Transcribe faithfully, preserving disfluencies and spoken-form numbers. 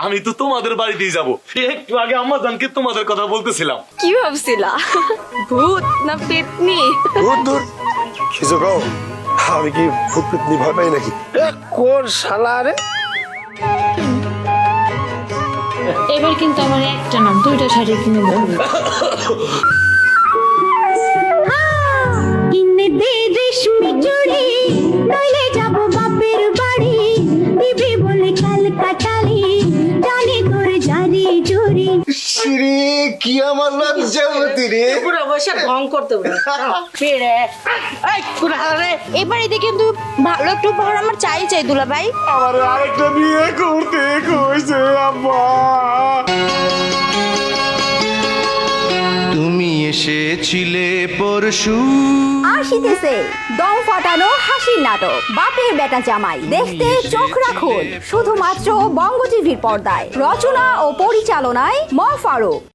আমি তো তোমাদের বাড়িতেই যাব। একটু আগে আম্মা জানকে তোমাদের কথা বলতেছিলাম। কি ভাবছিলা ভূত না পেতনি? দূর দূর কিছু কও, আমি কি ভূত পেতনি ভয় পাই নাকি? এ, কোন শালা রে? এবার কিন্তু আমার একটা না দুইটা শাড়ি কিনে দেবো। কিনে দে রেশমি চুড়ি, নইলে যাব বাপের বাড়ি, দিবি বলে কাল কাটালি, জানি তোর জারি জুরি। শ্রী কি আমার লজ্জাবতী রে। পুরো বসে ঢং করতে ফিরে এই পুরো হারে এবার এদিকে কিন্তু ভালো একটু উপহার আমার চাই চাই দুলা ভাই। আমার আরেকটা বিয়ে করতে কইছে আব্বা। তুমি এসেছিলে পরশু। আসিতেছে দম ফাটানো হাসির নাটক বাপের বেটা জামাই, দেখতে চোখ রাখুন শুধুমাত্র বঙ্গ টিভির পর্দায়। রচনা ও পরিচালনায় ম ফারুক।